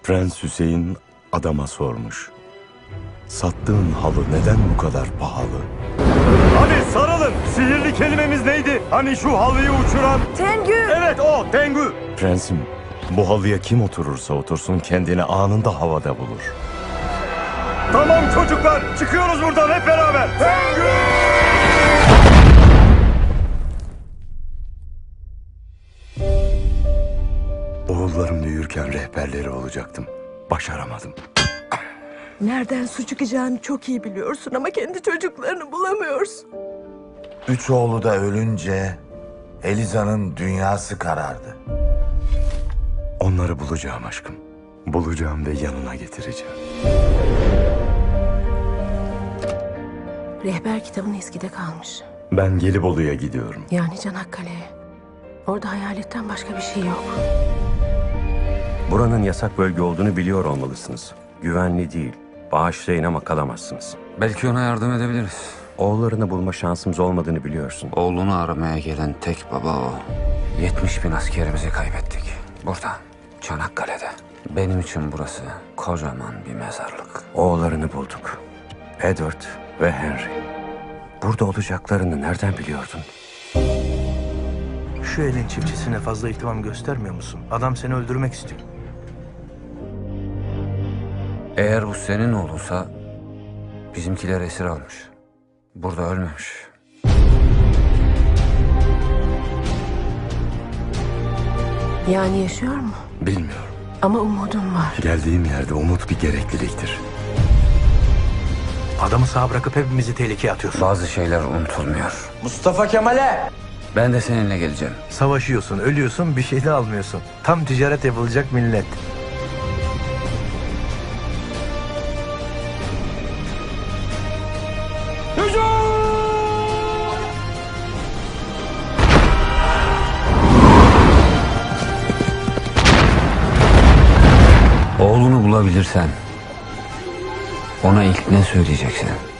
Prens Hüseyin adama sormuş. Sattığın halı neden bu kadar pahalı? Hadi sarılın. Sihirli kelimemiz neydi? Hani şu halıyı uçuran? Tengü! Evet o Tengü. Prensim, bu halıya kim oturursa otursun kendini anında havada bulur. Tamam çocuklar, çıkıyoruz buradan hep beraber. Tengü! Oğullarım büyürken rehberleri olacaktım. Başaramadım. Nereden su çıkacağını çok iyi biliyorsun ama kendi çocuklarını bulamıyorsun. Üç oğlu da ölünce Eliza'nın dünyası karardı. Onları bulacağım aşkım. Bulacağım ve yanına getireceğim. Rehber kitabın eskide kalmış. Ben Gelibolu'ya gidiyorum. Yani Çanakkale'ye. Orada hayaletten başka bir şey yok. Buranın yasak bölge olduğunu biliyor olmalısınız. Güvenli değil. Bağışlayın ama kalamazsınız. Belki ona yardım edebiliriz. Oğullarını bulma şansımız olmadığını biliyorsun. Oğlunu aramaya gelen tek baba o. 70.000 askerimizi kaybettik. Burada, Çanakkale'de. Benim için burası kocaman bir mezarlık. Oğullarını bulduk. Edward ve Henry. Burada olacaklarını nereden biliyordun? Şu elin çiftçisine fazla ihtimam göstermiyor musun? Adam seni öldürmek istiyor. Eğer bu senin oğlunsa bizimkiler esir almış. Burada ölmemiş. Yani yaşıyor mu? Bilmiyorum. Ama umudun var. Geldiğim yerde umut bir gerekliliktir. Adamı sağ bırakıp hepimizi tehlikeye atıyorsun. Bazı şeyler unutulmuyor. Mustafa Kemal'e! Ben de seninle geleceğim. Savaşıyorsun, ölüyorsun, bir şey de almıyorsun. Tam ticaret yapılacak millet. Oğlunu bulabilirsen ona ilk ne söyleyeceksin?